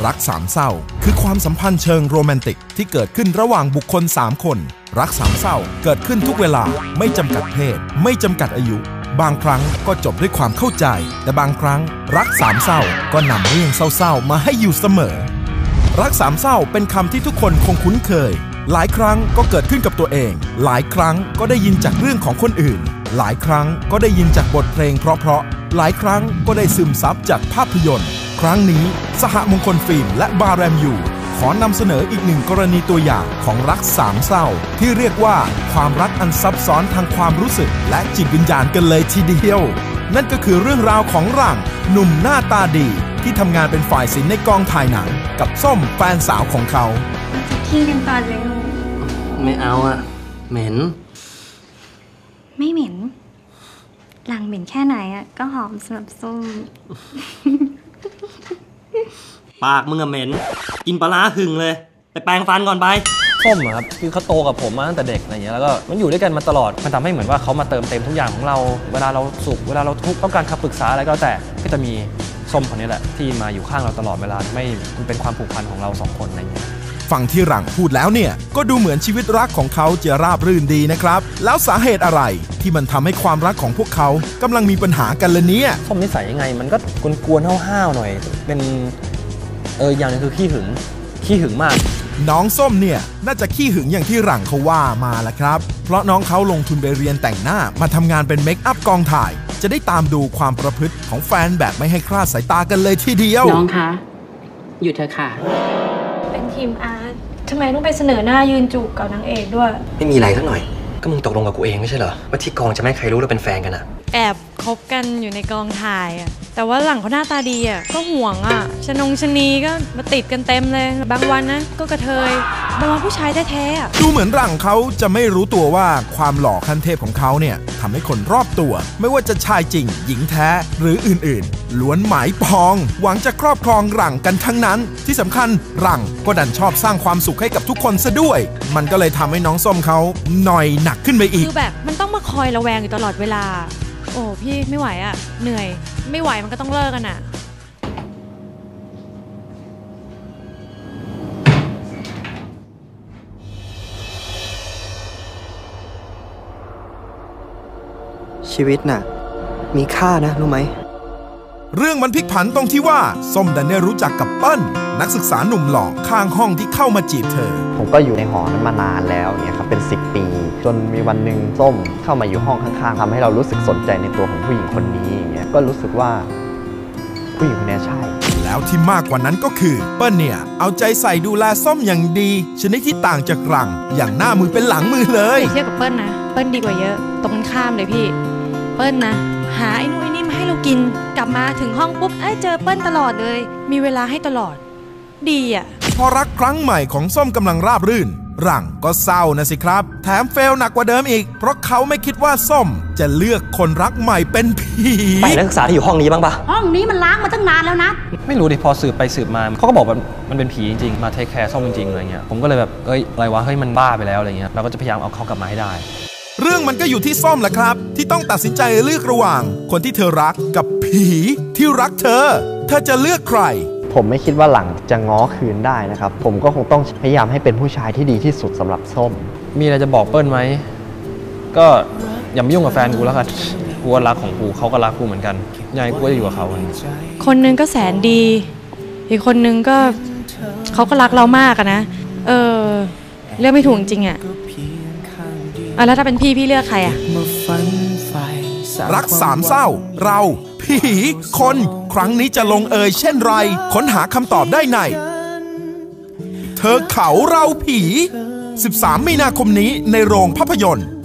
รักสามเศร้าคือความสัมพันธ์เชิงโรแมนติกที่เกิดขึ้นระหว่างบุคคล3 คนรักสามเศร้าเกิดขึ้นทุกเวลาไม่จำกัดเพศไม่จำกัดอายุบางครั้งก็จบด้วยความเข้าใจแต่บางครั้งรักสามเศร้าก็นำเรื่องเศร้าๆมาให้อยู่เสมอรักสามเศร้าเป็นคำที่ทุกคนคงคุ้นเคยหลายครั้งก็เกิดขึ้นกับตัวเองหลายครั้งก็ได้ยินจากเรื่องของคนอื่นหลายครั้งก็ได้ยินจากบทเพลงเพราะๆหลายครั้งก็ได้ซึมซับจากภาพยนตร์ครั้งนี้สหมงคลฟิล์มและบาแรมยูขอนำเสนออีก1 กรณีตัวอย่างของรักสามเศร้าที่เรียกว่าความรักอันซับซ้อนทางความรู้สึกและจิตวิญญาณกันเลยทีเดียวนั่นก็คือเรื่องราวของหลังหนุ่มหน้าตาดีที่ทำงานเป็นฝ่ายศิลป์ในกองถ่ายหนังกับส้มแฟนสาวของเขาทิ้งกันตอนเลยไม่เอาอะเหม็นไม่เหม็นหลังเหม็นแค่ไหนอะก็หอมสำหรับส้มปากมึงอะเหม็นกินปลาร้าหึงเลยไปแปรงฟันก่อนไปส้มครับคือเขาโตกับผมมาตั้งแต่เด็กอะไรเงี้ยแล้วก็มันอยู่ด้วยกันมาตลอดมันทำให้เหมือนว่าเขามาเติมเต็มทุกอย่างของเราเวลาเราสุขเวลาเราทุกข์ต้องการคำปรึกษาอะไรก็แต่ก็จะมีส้มคนนี้แหละที่มาอยู่ข้างเราตลอดเวลาไม่มันเป็นความผูกพันของเรา2 คนอะไรเงี้ยฟังที่หลังพูดแล้วเนี่ยก็ดูเหมือนชีวิตรักของเขาจะราบรื่นดีนะครับแล้วสาเหตุอะไรที่มันทำให้ความรักของพวกเขากำลังมีปัญหากันละเนี่ยส้มนิสัยยังไงมันก็กวนๆห้าวๆหน่อยเป็นอย่างนึงคือขี้หึงมากน้องส้มเนี่ยน่าจะขี้หึงอย่างที่หลังเขาว่ามาแหละครับเพราะน้องเขาลงทุนไปเรียนแต่งหน้ามาทำงานเป็นเมคอัพกองถ่ายจะได้ตามดูความประพฤติของแฟนแบบไม่ให้คลาดสายตากันเลยทีเดียวน้องคะหยุดเถอะค่ะเป็นทีมอาร์ตทำไมต้องไปเสนอหน้ายืนจูบกับนางเอกด้วยไม่มีอะไรสักหน่อยก็มึงตกลงกับกูเองไม่ใช่เหรอว่าที่กองจะไม่ให้ใครรู้เราเป็นแฟนกันอะแอบคบกันอยู่ในกองถ่ายอะแต่ว่าหลังเขาหน้าตาดีอะก็ห่วงอะชนีก็มาติดกันเต็มเลยบางวันนะก็กระเทยบางวันผู้ชายแท้ๆดูเหมือนหลังเขาจะไม่รู้ตัวว่าความหล่อขั้นเทพของเขาเนี่ยทำให้คนรอบตัวไม่ว่าจะชายจริงหญิงแท้หรืออื่นๆล้วนหมายปองหวังจะครอบครองหลังกันทั้งนั้นที่สำคัญหลังก็ดันชอบสร้างความสุขให้กับทุกคนซะด้วยมันก็เลยทำให้น้องส้มเขาหน่อยหนักขึ้นไปอีกคือแบบมันต้องมาคอยระแวงอยู่ตลอดเวลาโอ้พี่ไม่ไหวอะเหนื่อยไม่ไหวมันก็ต้องเลิกกันอะชีวิตน่ะมีค่านะรู้ไหมเรื่องมันพลิกผันตรงที่ว่าส้มดันได้รู้จักกับเปิ้ลนักศึกษาหนุ่มหล่อข้างห้องที่เข้ามาจีบเธอผมก็อยู่ในหอนั้นมานานแล้วเนี่ยครับเป็น10 ปีจนมีวันหนึ่งส้มเข้ามาอยู่ห้องข้างๆทำให้เรารู้สึกสนใจในตัวของผู้หญิงคนนี้อย่างเงี้ยก็รู้สึกว่าผู้หญิงคนนี้ใช่แล้วที่มากกว่านั้นก็คือเปิ้ลเนี่ยเอาใจใส่ดูแลส้มอย่างดีชนิดที่ต่างจากหลังอย่างหน้ามือเป็นหลังมือเลยเทียบกับเปิ้ลนะเปิ้ลดีกว่าเยอะตรงกันข้ามเลยพี่เปิ้ลนะหาไอ้นู่นไอ้นี่มาให้เรากินกลับมาถึงห้องปุ๊บเจอเปิ้ลตลอดเลยมีเวลาให้ตลอดดีอ่ะพอรักครั้งใหม่ของส้มกำลังราบรื่นหลังก็เศร้านะสิครับแถมเฟลหนักกว่าเดิมอีกเพราะเขาไม่คิดว่าส้มจะเลือกคนรักใหม่เป็นผีไปนักศึกษาที่อยู่ห้องนี้บ้างปะห้องนี้มันล้างมาตั้งนานแล้วนะไม่รู้ดิพอสืบไปสืบมาเขาก็บอกว่ามันเป็นผีจริงๆมาเทคแคร์ส้มจริงๆอะไรเงี้ยผมก็เลยแบบอะไรวะมันบ้าไปแล้วอะไรเงี้ยเราก็จะพยายามเอาเขากลับมาให้ได้เรื่องมันก็อยู่ที่ส้มแหละครับที่ต้องตัดสินใจเลือกระหว่างคนที่เธอรักกับผีที่รักเธอจะเลือกใครผมไม่คิดว่าหลังจะง้อคืนได้นะครับผมก็คงต้องพยายามให้เป็นผู้ชายที่ดีที่สุดสำหรับส้มมีอะไรจะบอกเปิ้ลไหมก็อย่ามายุ่งกับแฟนกูแล้วกันกูรักของกูเขาก็รักกูเหมือนกันยังไงกูจะอยู่กับเขาคนนึงก็แสนดีอีกคนนึงก็เขาก็รักเรามากอะนะเลือกไม่ถูกจริงอะแล้วถ้าเป็นพี่เลือกใครอะรักสามเศร้าเราผีคนครั้งนี้จะลงเอยเช่นไรค้นหาคำตอบได้ในเธอเขาเราผี13 มีนาคมนี้ในโรงภาพยนตร์